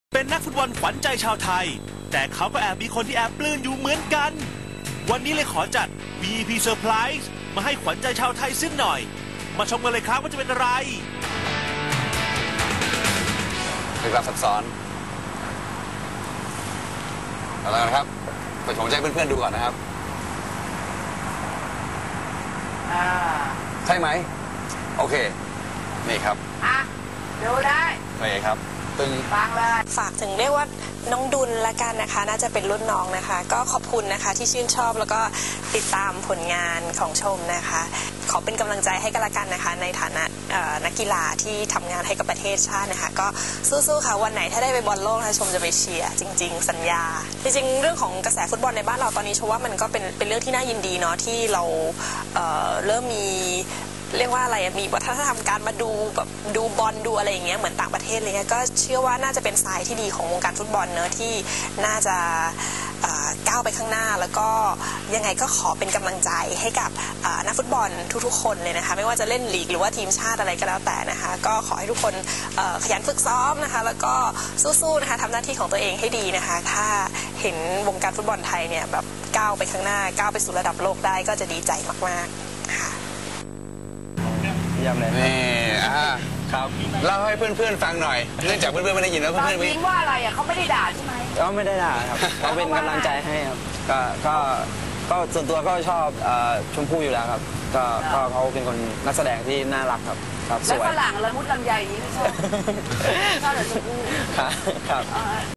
เป็นนักฟุตบอลขวัญใจชาวไทยแต่เขาก็แอบมีคนที่แอบปลื้มอยู่เหมือนกันวันนี้เลยขอจัด VIP Surprise มาให้ขวัญใจชาวไทยสิ้นหน่อยมาชมกันเลยครับว่าจะเป็นอะไรเป็นความซับซ้อนเอาละครับผมจะให้เพื่อนๆดูก่อนนะครับใช่ไหมโอเคนี่ครับดูได้โอเคครับฟังเลยฝากถึงเรียกว่าน้องดุลละกันนะคะน่าจะเป็นรุ่นน้องนะคะก็ขอบคุณนะคะที่ชื่นชอบแล้วก็ติดตามผลงานของชมนะคะขอเป็นกำลังใจให้กันละกันนะคะในฐานะนักกีฬาที่ทำงานให้กับประเทศชาตินะคะก็สู้ๆค่ะวันไหนถ้าได้ไปบอลโลกนะคะชมจะไปเชียร์จริงๆสัญญาจริงๆเรื่องของกระแสฟุตบอลในบ้านเราตอนนี้ชมว่ามันก็เป็นเรื่องที่น่ายินดีเนาะที่เราเริ่มมีเรียกว่าอะไรมีวัฒนธรรมการมาดูแบบดูบอลดูอะไรอย่างเงี้ยเหมือนต่างประเทศเลยก็เชื่อว่าน่าจะเป็นทรายที่ดีของวงการฟุตบอลเนอะที่น่าจะก้าวไปข้างหน้าแล้วก็ยังไงก็ขอเป็นกำลังใจให้กับนักฟุตบอลทุกๆคนเลยนะคะไม่ว่าจะเล่นลีกหรือว่าทีมชาติอะไรก็แล้วแต่นะคะก็ขอให้ทุกคนขยันฝึกซ้อมนะคะแล้วก็สู้ๆนะคะทำหน้าที่ของตัวเองให้ดีนะคะถ้าเห็นวงการฟุตบอลไทยเนี่ยแบบก้าวไปข้างหน้าก้าวไปสู่ระดับโลกได้ก็จะดีใจมากๆค่ะนี่ครับเล่าให้เพื่อนๆฟังหน่อยเนื่องจากเพื่อนๆไม่ได้ยินแล้วเพื่อนๆยิ้มว่าอะไรเขาไม่ได้ด่าใช่ไหมก็ไม่ได้ด่าครับเขาเป็นกำลังใจให้ครับก็ส่วนตัวก็ชอบชมพู่อยู่แล้วครับก็เขาเป็นคนนักแสดงที่น่ารักครับสวยและฝรั่งละมุดลำไยนี้ไม่ชอบชอบแต่ชมพู่ครับ